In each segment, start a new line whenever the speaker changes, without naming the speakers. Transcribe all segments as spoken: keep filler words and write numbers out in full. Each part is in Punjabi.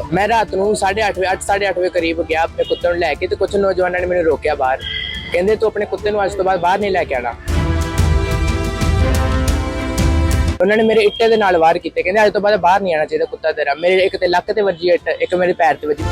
मैं रात ਨੂੰ साढ़े आठ बजे ਅੱਠ साढ़े आठ बजे करीब गया अपने कुत्ते ਨੂੰ ਲੈ ਕੇ ਤੇ ਕੁਝ ਨੌਜਵਾਨਾਂ ਨੇ ਮੈਨੂੰ ਰੋਕਿਆ ਬਾਹਰ। ਕਹਿੰਦੇ ਤੂੰ ਆਪਣੇ ਕੁੱਤੇ ਨੂੰ ਅੱਜ ਤੋਂ ਬਾਅਦ ਬਾਹਰ ਨਹੀਂ ਲੈ ਕੇ ਆਣਾ। ਉਹਨਾਂ ਨੇ ਮੇਰੇ ਇੱਟੇ ਦੇ ਨਾਲ ਵਾਰ ਕੀਤੇ, ਕਹਿੰਦੇ ਅੱਜ ਤੋਂ ਬਾਅਦ ਬਾਹਰ ਨਹੀਂ ਆਣਾ ਚਾਹੀਦਾ ਕੁੱਤਾ ਤੇਰਾ। ਮੇਰੇ ਇੱਕ ਤੇ ਲੱਕ ਤੇ ਵੱਜੀ ਇੱਟ, ਇੱਕ ਮੇਰੇ ਪੈਰ ਤੇ ਵੱਜੀ।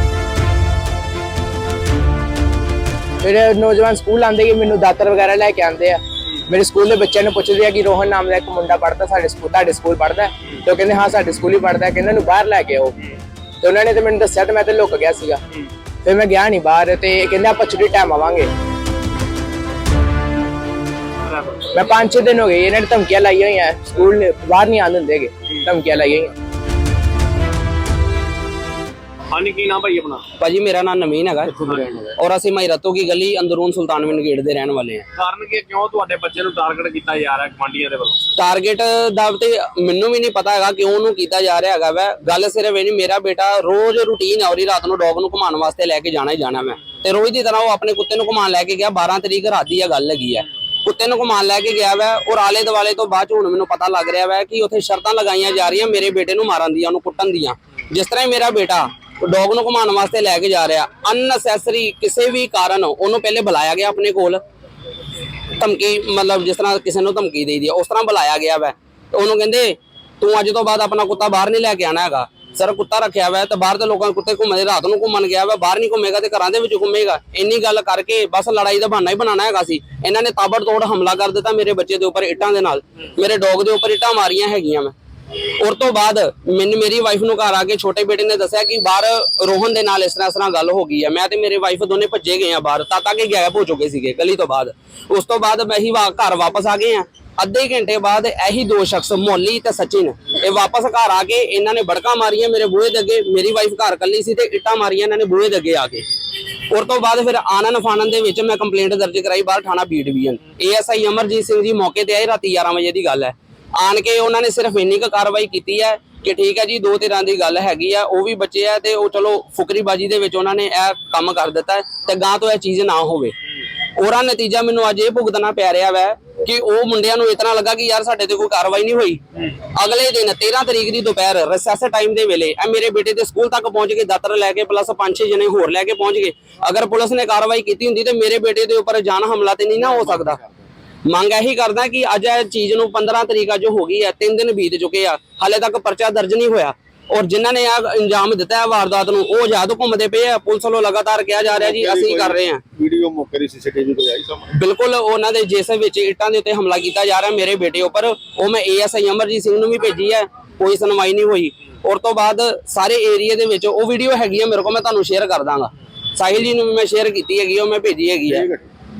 ਫਿਰ ਨੌਜਵਾਨ ਸਕੂਲ ਆਉਂਦੇ ਕਿ ਮੈਨੂੰ ਦਾਤਰ ਵਗੈਰਾ ਲੈ ਕੇ ਆਉਂਦੇ ਆ। ਮੇਰੇ ਸਕੂਲ ਦੇ ਬੱਚਿਆਂ ਨੂੰ ਪੁੱਛਦੇ ਆ ਕਿ ਰੋਹਨ ਨਾਮ ਦਾ ਇੱਕ ਮੁੰਡਾ ਪੜ੍ਹਦਾ ਸਾਡੇ ਸਕੂਲ, ਤੁਹਾਡੇ ਸਕੂਲ ਪੜ੍ਹਦਾ? ਤੇ ਉਹ ਕਹਿੰਦੇ ਹਾਂ ਸਾਡੇ ਸਕੂਲ ਹੀ ਪੜ੍ਹਦਾ। ਕਹਿੰਦੇ ਇਹਨੂੰ ਬਾਹਰ ਲੈ ਕੇ ਆਓ। ਤੇ ਉਹਨਾਂ ਨੇ ਤੇ ਮੈਨੂੰ ਦੱਸਿਆ ਤੇ ਮੈਂ ਤੇ ਲੁੱਕ ਗਿਆ ਸੀਗਾ। ਫਿਰ ਮੈਂ ਗਿਆ ਨਹੀਂ ਬਾਹਰ ਤੇ ਕਹਿੰਦੇ ਆਪਾਂ ਛੁੱਟੀ ਟਾਈਮ ਆਵਾਂਗੇ। ਮੈਂ ਪੰਜ ਛੇ ਦਿਨ ਹੋ ਗਏ ਇਹਨਾਂ ਨੇ ਧਮਕੀਆਂ ਲਾਈਆਂ ਹੋਈਆਂ, ਸਕੂਲ ਬਾਹਰ ਨਹੀਂ ਆਉਣ ਦਿੰਦੇ, ਧਮਕੀਆਂ ਲਾਈਆਂ ਹੋਈਆਂ।
ਹਾਂਜੀ ਕੀ ਨਾਮ ਭਾਈ ਆਪਣਾ?
ਭਾਜੀ ਮੇਰਾ ਨਾਮ ਨਵੀਨ ਹੈਗਾ ਔਰ ਅਸੀਂ ਮਾਈਰਤੋ ਕੀ ਗਲੀ ਅੰਦਰੂਨ ਸੁਲਤਾਨਵਿੰਦ ਗੇਟ ਦੇ ਰਹਿਣ ਵਾਲੇ ਹਾਂ।
ਕਾਰਨ ਕੀ ਕਿਉਂ ਤੁਹਾਡੇ ਬੱਚੇ ਨੂੰ ਟਾਰਗੇਟ ਕੀਤਾ ਜਾ ਰਿਹਾ ਕਮਾਂਡੀਆਂ ਦੇ ਵੱਲੋਂ?
ਟਾਰਗੇਟ ਦਾ ਤੇ ਮੈਨੂੰ ਵੀ ਨਹੀਂ ਪਤਾ ਹੈਗਾ ਕਿਉਂ ਉਹਨੂੰ ਕੀਤਾ ਜਾ ਰਿਹਾ ਹੈਗਾ ਵੈ। ਗੱਲ ਸਿਰਫ ਇਹ ਨਹੀਂ, ਮੇਰਾ ਬੇਟਾ ਰੋਜ਼ ਰੂਟੀਨ ਹੈ ਉਹਦੀ ਰਾਤ ਨੂੰ ਡੌਗ ਨੂੰ ਘੁਮਾਉਣ ਵਾਸਤੇ ਲੈ ਕੇ ਜਾਣਾ ਹੀ ਜਾਣਾ ਮੈਂ, ਤੇ ਰੋਜ਼ ਦੀ ਤਰ੍ਹਾਂ ਉਹ ਆਪਣੇ ਕੁੱਤੇ ਨੂੰ ਘੁਮਾਉਣ ਲੈ ਕੇ ਗਿਆ। ਬਾਰਾਂ ਤਰੀਕ ਰਾਤ ਦੀ ਇਹ ਗੱਲ ਹੈਗੀ ਹੈ। ਕੁੱਤੇ ਨੂੰ ਘੁਮਾਉਣ ਲੈ ਕੇ ਗਿਆ ਵੈ ਔਰ ਆਲੇ ਦੁਆਲੇ ਤੋਂ ਬਾਅਦ ਹੁਣ ਮੈਨੂੰ ਪਤਾ ਲੱਗ ਰਿਹਾ ਵੈ ਕਿ ਉੱਥੇ ਸ਼ਰਤਾਂ ਲਗਾਈਆਂ ਜਾ ਰਹੀਆਂ ਮੇਰੇ ਬੇਟੇ ਨੂੰ ਮਾਰਨ ਦੀਆਂ, ਉਹਨੂੰ ਕੁੱਟਣ ਦੀਆਂ। ਜਿਸ ਤਰ੍ਹਾਂ ਮੇਰਾ ਬੇਟਾ ਡੌਗ ਨੂੰ ਘੁਮਾਉਣ ਵਾਸਤੇ ਲੈ ਕੇ ਜਾ ਰਿਹਾ, ਅਨਨੈਸੈਸਰੀ ਕਿਸੇ ਵੀ ਕਾਰਨ ਉਹਨੂੰ ਪਹਿਲੇ ਬੁਲਾਇਆ ਗਿਆ ਆਪਣੇ ਕੋਲ, ਧਮਕੀ ਮਤਲਬ ਜਿਸ ਤਰ੍ਹਾਂ ਕਿਸੇ ਨੂੰ ਧਮਕੀ ਦੇਈਦੀ ਉਸ ਤਰ੍ਹਾਂ ਬੁਲਾਇਆ ਗਿਆ ਵੈ। ਉਹਨੂੰ ਕਹਿੰਦੇ ਤੂੰ ਅੱਜ ਤੋਂ ਬਾਅਦ ਆਪਣਾ ਕੁੱਤਾ ਬਾਹਰ ਨਹੀਂ ਲੈ ਕੇ ਆਣਾ ਹੈਗਾ। ਸਰ ਕੁੱਤਾ ਰੱਖਿਆ ਵਾ ਤੇ ਬਾਹਰ ਦੇ ਲੋਕਾਂ ਕੁੱਤੇ ਘੁੰਮਦੇ, ਰਾਤ ਨੂੰ ਘੁੰਮਣ ਗਿਆ ਵਾ, ਬਾਹਰ ਨਹੀਂ ਘੁੰਮੇਗਾ ਤੇ ਘਰਾਂ ਦੇ ਵਿੱਚ ਘੁੰਮੇਗਾ। ਇੰਨੀ ਗੱਲ ਕਰਕੇ ਬਸ ਲੜਾਈ ਦਾ ਬਹਾਨਾ ਹੀ ਬਣਾਉਣਾ ਹੈਗਾ ਸੀ। ਇਹਨਾਂ ਨੇ ਤਾਬੜਤੋੜ ਹਮਲਾ ਕਰ ਦਿੱਤਾ ਮੇਰੇ ਬੱਚੇ ਦੇ ਉੱਪਰ ਇੱਟਾਂ ਦੇ ਨਾਲ, ਮੇਰੇ ਡੌਗ ਦੇ ਉੱਪਰ ਇੱਟਾਂ ਮਾਰੀਆਂ ਹੈਗੀਆਂ ਮੈਂ। ਉਸ ਤੋਂ ਬਾਅਦ ਮੈਨੂੰ ਮੇਰੀ ਵਾਈਫ ਨੂੰ ਘਰ ਆ ਕੇ ਛੋਟੇ ਬੇਟੇ ਨੇ ਦੱਸਿਆ ਕਿ ਬਾਹਰ ਰੋਹਨ ਦੇ ਨਾਲ ਇਸ ਤਰ੍ਹਾਂ ਇਸ ਤਰ੍ਹਾਂ ਗੱਲ ਹੋ ਗਈ ਹੈ। ਮੈਂ ਤੇ ਮੇਰੇ ਵਾਈਫ ਦੋਨੇ ਭੱਜੇ ਗਏ ਆ ਬਾਹਰ, ਤਾਂ ਤੱਕ ਗਾਇਬ ਹੋ ਚੁੱਕੇ ਸੀਗੇ ਗਲੀ ਤੋਂ ਬਾਅਦ। ਉਸ ਤੋਂ ਬਾਅਦ ਮੈਂ ਹੀ ਘਰ ਵਾਪਸ ਆ ਗਏ ਆ। ਅੱਧੇ ਘੰਟੇ ਬਾਅਦ ਇਹੀ ਦੋ ਸ਼ਖਸ ਮੋਲੀ ਤੇ ਸਚਿਨ ਇਹ ਵਾਪਸ ਘਰ ਆ ਕੇ ਇਹਨਾਂ ਨੇ ਬੜਕਾ ਮਾਰੀਆਂ ਮੇਰੇ ਬੂਹੇ ਦੇ ਅੱਗੇ। ਮੇਰੀ ਵਾਈਫ ਘਰ ਕੱਲੀ ਸੀ ਤੇ ਇੱਟਾਂ ਮਾਰੀਆਂ ਇਹਨਾਂ ਨੇ ਬੂਹੇ ਦੇ ਅੱਗੇ ਆ ਕੇ। ਉਸ ਤੋਂ ਬਾਅਦ ਫਿਰ ਆਨਨ ਫਾਨਨ ਦੇ ਵਿੱਚ ਮੈਂ ਕੰਪਲੇਂਟ ਦਰਜ ਕਰਾਈ ਬਾਹਰ ਥਾਣਾ B division. A S I Amarjeet Singh ji ਮੌਕੇ ਤੇ ਆਏ, ਰਾਤੀ ਗਿਆਰਾਂ ਵਜੇ ਦੀ ਗੱਲ ਹੈ। ਆਣ ਕੇ ਉਹਨਾਂ ਨੇ ਸਿਰਫ ਇੰਨੀ ਕੁ ਕਾਰਵਾਈ ਕੀਤੀ ਹੈ ਕਿ ਠੀਕ ਹੈ ਜੀ ਦੋ ਧਿਰਾਂ ਦੀ ਗੱਲ ਹੈਗੀ ਆ, ਉਹ ਵੀ ਬਚੇ ਆ ਤੇ ਉਹ ਚਲੋ ਫੁਕਰੀਬਾਜੀ ਦੇ ਵਿੱਚ ਉਹਨਾਂ ਨੇ ਇਹ ਕੰਮ ਕਰ ਦਿੱਤਾ ਤੇ ਗਾਂ ਤੋਂ ਇਹ ਚੀਜ਼ ਨਾ ਹੋਵੇ। ਉਹਦਾ ਨਤੀਜਾ ਮੈਨੂੰ ਅੱਜ ਇਹ ਭੁਗਤਣਾ ਪੈ ਰਿਹਾ ਵੈ ਕਿ ਉਹ ਮੁੰਡਿਆਂ ਨੂੰ ਇਤਨਾ ਲੱਗਾ ਕਿ ਯਾਰ ਸਾਡੇ ਤੇ ਕੋਈ ਕਾਰਵਾਈ ਨਹੀਂ ਹੋਈ। ਅਗਲੇ ਦਿਨ ਤੇਰਾਂ ਤਰੀਕ ਦੀ ਦੁਪਹਿਰ ਰਿਸੈਸ ਟਾਈਮ ਦੇ ਵੇਲੇ ਇਹ ਮੇਰੇ ਬੇਟੇ ਦੇ ਸਕੂਲ ਤੱਕ ਪਹੁੰਚ ਕੇ ਦਾਤਰ ਲੈ ਕੇ ਪਲੱਸ ਪੰਜ ਛੇ ਜਣੇ ਹੋਰ ਲੈ ਕੇ ਪਹੁੰਚ ਗਏ। ਅਗਰ ਪੁਲਿਸ ਨੇ ਕਾਰਵਾਈ ਕੀਤੀ ਹੁੰਦੀ ਤੇ ਮੇਰੇ ਬੇਟੇ ਦੇ ਉੱਪਰ ਜਾਨ ਹਮਲਾ ਤੇ ਨਹੀਂ ਨਾ ਹੋ ਸਕਦਾ। ਮੰਗ ਇਹੀ ਕਰਦਾ ਕਿ ਅੱਜ ਇਹ ਚੀਜ਼ ਨੂੰ ਪੰਦਰਾਂ ਤਰੀਕ ਅੱਜ ਹੋ ਗਈ ਹੈ, ਤਿੰਨ ਦਿਨ ਬੀਤ ਚੁੱਕੇ ਆ, ਹਾਲੇ ਤੱਕ ਪਰਚਾ ਦਰਜ ਨਹੀਂ ਹੋਇਆ। ਔਰ ਜਿਨ੍ਹਾਂ ਨੇ ਆ ਇੰਜਾਮ ਦਿੱਤਾ ਹੈ ਵਾਰਦਾਤ ਨੂੰ ਉਹ ਆਜ਼ਾਦ ਘੁੰਮਦੇ ਪਏ ਆ। ਪੁਲਿਸ ਵੱਲੋਂ ਲਗਾਤਾਰ ਕਿਹਾ ਜਾ ਰਿਹਾ ਜੀ ਅਸੀਂ ਕਰ ਰਹੇ ਹਾਂ।
ਵੀਡੀਓ ਮੌਕੇ ਦੀ ਸੀਸੀਟੀਵੀ ਤੇ ਆਈ ਸਾਹਮਣੇ
ਬਿਲਕੁਲ ਉਹਨਾਂ ਦੇ ਜਿਸ ਵਿੱਚ ਇੱਟਾਂ ਦੇ ਉੱਤੇ ਹਮਲਾ ਕੀਤਾ ਜਾ ਰਿਹਾ ਮੇਰੇ ਬੇਟੇ ਉੱਪਰ, ਉਹ ਮੈਂ A S I Amarjeet Singh ਨੂੰ ਵੀ ਭੇਜੀ ਹੈ, ਕੋਈ ਸੁਣਵਾਈ ਨਹੀਂ ਹੋਈ। ਉਸ ਤੋਂ ਬਾਅਦ ਸਾਰੇ ਏਰੀਆ ਦੇ ਵਿੱਚ ਉਹ ਵੀਡੀਓ ਹੈਗੀ ਆ ਮੇਰੇ ਕੋਲ, ਮੈਂ ਤੁਹਾਨੂੰ ਸ਼ੇਅਰ ਕਰ ਦਾਂਗਾ। ਸਾਹਿਲ ਜੀ ਨੂੰ ਵੀ ਮੈਂ ਸ਼ੇਅਰ ਕੀਤੀ ਹੈਗੀ, ਉਹ ਮੈਂ ਭੇਜੀ ਹੈਗੀ ਹੈ।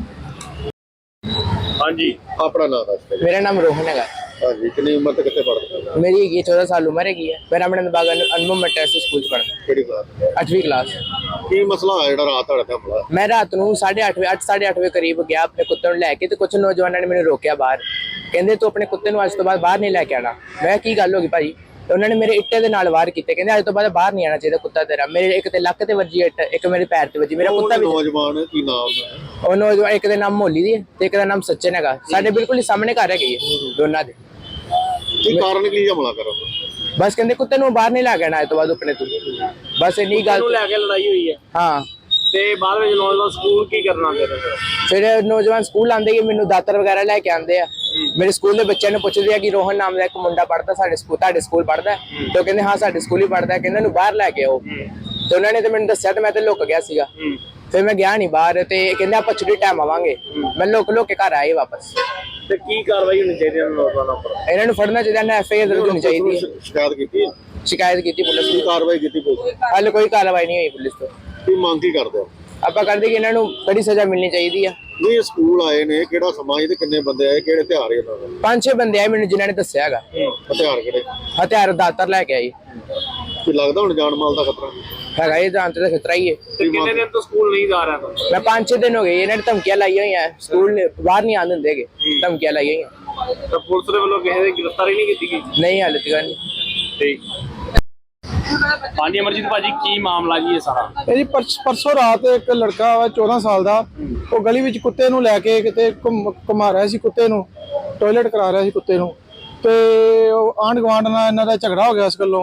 ਹਾਂਜੀ ਆਪਣਾ ਨਾਮ ਦੱਸ।
ਮੇਰਾ ਨਾਮ ਰੋਹਨ ਹੈਗਾ।
ਹਾਂਜੀ ਕਿੰਨੀ ਉਮਰ ਤੇ ਕਿੱਥੇ ਪੜ੍ਹਦੇ?
ਮੇਰੀ ਹੈਗੀ ਚੌਦਾਂ ਸਾਲ ਉਮਰ ਹੈਗੀ ਹੈ। ਮੈਂ ਰਾਮਨੰਦ ਬਾਗ ਅਨੁਭਵ ਮੈਟਰਸ ਸਕੂਲ ਚ ਪੜ੍ਹਦਾ।
ਕਿਹੜੀ ਕਲਾਸ?
ਅੱਠਵੀਂ ਕਲਾਸ।
ਕੀ ਮਸਲਾ ਹੋਇਆ ਜਿਹੜਾ ਰਾਤ ਤੁਹਾਡੇ ਤੇ ਹਮਲਾ?
ਮੈਂ ਰਾਤ ਨੂੰ ਸਾਢੇ ਅੱਠ ਵਜੇ ਅੱਠ ਸਾਢੇ ਅੱਠ ਵਜੇ ਕਰੀਬ ਗਿਆ ਆਪਣੇ ਕੁੱਤੇ ਨੂੰ ਲੈ ਕੇ ਤੇ ਕੁਝ ਨੌਜਵਾਨਾਂ ਨੇ ਮੈਨੂੰ ਰੋਕਿਆ ਬਾਹਰ। ਕਹਿੰਦੇ ਤੂੰ ਆਪਣੇ ਕੁੱਤੇ ਨੂੰ ਅੱਜ ਤੋਂ ਬਾਅਦ ਬਾਹਰ ਨਹੀਂ ਲੈ ਕੇ ਆਣਾ। ਮੈਂ ਕੀ ਗੱਲ ਹੋ ਗਈ ਭਾਜੀ? ਉਹਨਾਂ ਨੇ ਮੇਰੇ ਇੱਟੇ ਦੇ ਨਾਲ ਵਾਰ ਕੀਤੇ, ਕਹਿੰਦੇ ਅੱਜ ਤੋਂ ਬਾਅਦ ਬਾਹਰ ਨਹੀਂ ਆਣਾ ਚਾਹੀਦਾ ਕੁੱਤਾ ਤੇਰਾ। ਮੇਰੇ ਇੱਕ ਤੇ ਲੱਕ ਤੇ ਵੱਜੀ ਇੱਟ, ਇੱਕ ਮੇਰੇ ਪੈਰ ਤੇ ਵੱਜੀ। ਮੇਰਾ ਕੁੱਤਾ ਵੀ
ਨੌਜਵਾਨ ਕੀ ਨਾਮ ਹੈ?
ਉਹ ਨੌਜਵਾਨ ਇੱਕ ਦਾ ਨਾਮ ਮੋਲੀ ਦੀ ਤੇ ਇੱਕ ਦਾ ਨਾਮ ਸਚਿਨ ਹੈਗਾ। ਸਾਡੇ ਬਿਲਕੁਲ ਹੀ ਸਾਹਮਣੇ ਘਰ ਹੈਗੇ ਦੋਨਾਂ ਦੇ।
ਕੀ ਕਾਰਨ ਕੀ ਹਮਲਾ ਕਰਨ ਦਾ?
ਬਸ ਕਹਿੰਦੇ ਕੁੱਤੇ ਨੂੰ ਬਾਹਰ ਨਹੀਂ ਲੈ ਕੇ ਆਣਾ ਅੱਜ ਤੋਂ ਬਾਅਦ ਆਪਣੇ ਤੋਂ। ਬਸ ਇੰਨੀ ਗੱਲ
ਨੂੰ ਲੈ ਕੇ ਲੜਾਈ ਹੋਈ ਹੈ।
ਹਾਂ
ਤੇ ਬਾਅਦ ਵਿੱਚ ਨੌਜਵਾਨ ਸਕੂਲ ਕੀ ਕਰਨਾ ਫਿਰ?
ਫਿਰ ਨੌਜਵਾਨ ਸਕੂਲ ਆਉਂਦੇ ਕਿ ਮੈਨੂੰ ਦਾਤਰ ਵਗੈਰਾ ਲੈ ਕੇ ਆਉਂਦੇ ਆ। ਮੇਰੇ ਸਕੂਲ ਦੇ ਬੱਚਿਆਂ ਨੂੰ ਪੁੱਛਦੇ ਆ ਕਿ ਰੋਹਨ ਨਾਮ ਦਾ ਇੱਕ ਮੁੰਡਾ ਪੜ੍ਹਦਾ ਸਾਡੇ ਸਕੂਲ, ਤੁਹਾਡੇ ਸਕੂਲ ਪੜ੍ਹਦਾ? ਤੇ ਉਹ ਕਹਿੰਦੇ ਹਾਂ ਸਾਡੇ ਸਕੂਲ ਹੀ ਪੜ੍ਹਦਾ। ਕਹਿੰਦੇ ਇਹਨੂੰ ਬਾਹਰ ਲੈ ਕੇ ਆਓ। ਤੇ ਉਹਨਾਂ ਨੇ ਤੇ ਮੈਨੂੰ ਦੱਸਿਆ ਤੇ ਮੈਂ ਤੇ ਲੁੱਕ ਗਿਆ ਸੀਗਾ। ਫਿਰ ਮੈਂ ਗਿਆ ਨਹੀਂ ਬਾਹਰ ਤੇ ਕਹਿੰਦੇ ਆਪਾਂ ਛੁੱਟੀ ਟਾਈਮ ਆਵਾਂਗੇ। ਮੈਂ ਲੁੱਕ ਲੁੱਕ ਕੇ ਘਰ ਆਏ ਵਾਪਸ।
ਤੇ ਕੀ ਕਾਰਵਾਈ ਹੋਣੀ ਚਾਹੀਦੀ ਹੈ ਨੌਜਵਾਨਾਂ ਉੱਪਰ?
ਇਹਨਾਂ ਨੂੰ ਫੜਨਾ ਚਾਹੀਦਾ ਨਾ, ਐਫ ਆਈ ਆਰ ਦਰਜ ਹੋਣੀ ਚਾਹੀਦੀ ਹੈ।
ਸ਼ਿਕਾਇਤ ਕੀਤੀ ਹੈ?
ਸ਼ਿਕਾਇਤ ਕੀਤੀ ਪੁਲਿਸ
ਕੀ
ਨੂੰ,
ਕਾਰਵਾਈ ਕੀਤੀ ਪੁਲਿਸ?
ਹਾਲੇ ਕੋਈ ਕਾਰਵਾਈ ਨਹੀਂ ਹੋਈ ਪੁਲਿਸ ਤੋਂ।
ਕੀ ਮੰਗ ਕੀ ਕਰਦੇ ਹੋ?
ਆਪਾਂ ਕਰਦੇ ਕਿ ਇਹਨਾਂ ਨੂੰ ਬੜੀ ਸਜ਼ਾ ਮਿਲਣੀ ਚਾਹੀਦੀ ਆ।
ਨਹੀਂ ਸਕੂਲ ਆਏ ਨੇ, ਕਿਹੜਾ ਸਮਾਂ ਤੇ ਕਿੰਨੇ ਬੰਦੇ ਆਏ, ਕਿਹੜੇ ਹਥਿਆਰ ਇਹਨਾਂ ਦੇ?
ਪੰਜ ਛੇ ਬੰਦੇ ਆਏ ਮੈਨੂੰ ਜਿਨ੍ਹਾਂ ਨੇ ਦੱਸਿਆ ਹੈਗਾ।
ਹਥਿਆਰ ਕਿਹੜੇ?
ਹਥਿਆਰ ਦਾਤਰ ਲੈ ਕੇ ਆਏ।
ਕੀ ਲੱਗਦਾ ਹੁਣ ਜਾਨ ਮਾਲ ਦਾ ਖਤਰਾ
ਹੈਗਾ ਇਹ ਜਾਨ ਤੇ ਖਤਰਾ ਹੀ ਹੈ।
ਤੇ ਕਿੰਨੇ ਦਿਨ ਤੋਂ ਸਕੂਲ ਨਹੀਂ ਜਾ ਰਿਹਾ?
ਮੈਂ ਪੰਜ ਛੇ ਦਿਨ ਹੋ ਗਏ ਇਹਨਾਂ ਨੇ ਧਮਕੀਆਂ ਲਾਈਆਂ ਹੋਈਆਂ, ਸਕੂਲ ਬਾਹਰ ਨਹੀਂ ਆਉਣ ਦਿੰਦੇ, ਧਮਕੀਆਂ ਲਾਈਆਂ ਹੋਈਆਂ।
ਤਾਂ ਪੁਲਿਸ ਦੇ ਵੱਲੋਂ ਕਿਸੇ ਦੀ ਗ੍ਰਿਫਤਾਰੀ ਨਹੀਂ ਕੀਤੀ ਗਈ?
ਨਹੀਂ ਹਾਲੇ ਤੱਕ ਨਹੀਂ।
ਠੀਕ। ਹਾਂਜੀ ਅਮਰਜੀਤ ਭਾਜੀ ਕੀ ਮਾਮਲਾ ਜੀ ਇਹ ਸਾਰਾ?
ਇਹ ਜੀ ਪਰਸੋਂ ਰਾਤ ਇੱਕ ਲੜਕਾ ਵਾ ਚੌਦਾਂ ਸਾਲ ਦਾ, ਉਹ ਗਲੀ ਵਿੱਚ ਕੁੱਤੇ ਨੂੰ ਲੈ ਕੇ ਕਿਤੇ ਘੁਮਾ ਰਿਹਾ ਸੀ, ਕੁੱਤੇ ਨੂੰ ਟਾਇਲਟ ਕਰਾ ਰਿਹਾ ਸੀ ਕੁੱਤੇ ਨੂੰ। ਤੇ ਉਹ ਆਂਢ ਗੁਆਂਢ ਨਾਲ ਇਹਨਾਂ ਦਾ ਝਗੜਾ ਹੋ ਗਿਆ ਇਸ ਗੱਲੋਂ।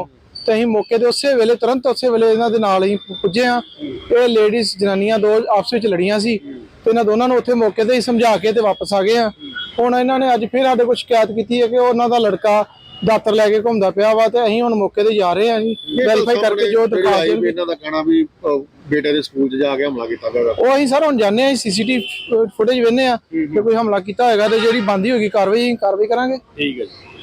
ਤੇ ਅਸੀਂ ਮੌਕੇ ਤੇ ਉਸੇ ਵੇਲੇ ਤੁਰੰਤ ਉਸੇ ਵੇਲੇ ਇਹਨਾਂ ਦੇ ਨਾਲ ਹੀ ਪੁੱਜੇ ਆ। ਇਹ ਲੇਡੀਜ਼ ਜਨਾਨੀਆਂ ਦੋ ਆਪਸ ਵਿੱਚ ਲੜੀਆਂ ਸੀ ਤੇ ਇਹਨਾਂ ਦੋਨਾਂ ਨੂੰ ਉੱਥੇ ਮੌਕੇ ਤੇ ਹੀ ਸਮਝਾ ਕੇ ਤੇ ਵਾਪਸ ਆ ਗਏ ਆ। ਹੁਣ ਇਹਨਾਂ ਨੇ ਅੱਜ ਫਿਰ ਸਾਡੇ ਕੋਲ ਸ਼ਿਕਾਇਤ ਕੀਤੀ ਹੈ ਕਿ ਉਹਨਾਂ ਦਾ ਲੜਕਾ ਦਾਤਰ ਲੈ ਕੇ ਘੁੰਮਦਾ ਪਿਆ ਵਾ ਤੇ ਅਸੀਂ ਹੁਣ ਮੌਕੇ ਤੇ ਜਾ ਰਹੇ ਹਾਂ ਜੀ ਵੈਰੀਫਾਈ ਕਰਕੇ ਜੋ ਦਿਖਾ
ਆਈ ਵੀ ਇਹਨਾਂ ਦਾ ਕਹਿਣਾ ਵੀ ਅਹ, ਬੇਟੇ ਦੇ ਸਕੂਲ 'ਚ ਜਾ ਕੇ ਹਮਲਾ ਕੀਤਾ ਗਿਆ।
ਉਹ ਅਸੀਂ ਸਰ ਹੁਣ ਜਾਣੇ ਆ ਸੀਸੀਟੀਵੀ ਫੁਟੇਜ ਵੇਖਨੇ ਆ ਕਿ ਕੋਈ ਹਮਲਾ ਕੀਤਾ ਹੋਏਗਾ ਤੇ ਜਿਹੜੀ ਬੰਦੀ ਹੋਏਗੀ ਕਾਰਵਾਈ ਕਾਰਵਾਈ ਕਰਾਂਗੇ।
ਠੀਕ ਹੈ ਜੀ।